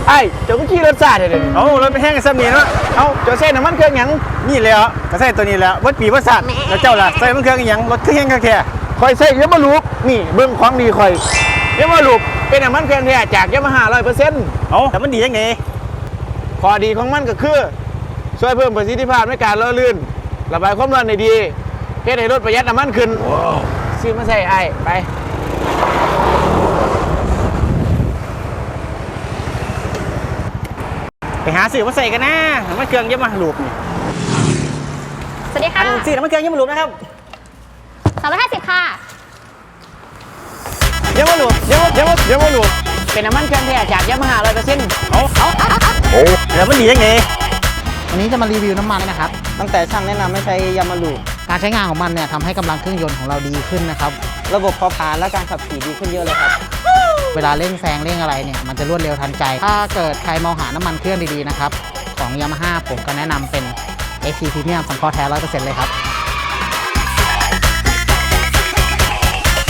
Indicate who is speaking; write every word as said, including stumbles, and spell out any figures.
Speaker 1: ไอ้เจ้าก็ขี่รถซาเดี๋ยวนี้
Speaker 2: เอารถไปแห้งกันซ้ำนี่เนาะ
Speaker 1: เอาเจ้าเส้นน้ำมันเครื่องหยัง
Speaker 2: นี่เลยเหรอก็ใส่ตัวนี้แล้ววัดปีวัดสัตว์แล้วเจ้าล่ะใส่มันเครื่องอีหยังรถเครื่องแห้งแค่
Speaker 1: คอยใส่ยามาลูกนี่เบิ้งของดีคอยยามาลูกเป็นน้ำมันเครื่องแท้จากยามาฮ่าร้อยเปอร์เซ็นต์
Speaker 2: เอาแต่มันดียังไง
Speaker 1: ข้อดีของมันก็คือช่วยเพิ่มประสิทธิภาพในการล่อลื่นระบายความร้อนได้ดีเฮ็ดให้รถประหยัดน้ำมันขึ้นซื้อมาใส่ไอ้ไป
Speaker 2: ไปหาสื่อมาใส่กันนะมันเครื่องยังมาหลูบนี่
Speaker 3: สวัสดีค่ะ
Speaker 2: สื่อมันเครื่องยังมาหลูบนะครับ
Speaker 3: สามร้อยห้าสิบค่ะ
Speaker 1: ยามาลูกยามา ยามา ยามาลูกเป็นน้ำมันเครื่องแท้จากยามาฮ่าร้อยเปอร์เซ็นต์
Speaker 2: เอาเอาโอ้แล้วมันดียังไง
Speaker 4: วันนี้จะมารีวิวน้ำมันนะครับ
Speaker 5: ตั้งแต่ช่างแนะนำให้ใช้ยามาลู
Speaker 4: การใช้งานของมันเนี่ยทำให้กำลังเครื่องยนต์ของเราดีขึ้นนะครับ
Speaker 5: ระบบเผาผลาญและการขับขี่ดีขึ้นเยอะเลยครับ
Speaker 4: เวลาเร่งแซงเร่งอะไรเนี่ยมันจะรวดเร็วทันใจ ถ้าเกิดใครมองหาน้ำมันเครื่องดีๆนะครับของ Yamaha ผมก็แนะนำเป็น เอ็กซ์ ซี Premium สังเคราะห์แท้ ร้อยเปอร์เซ็นต์ เลยครับ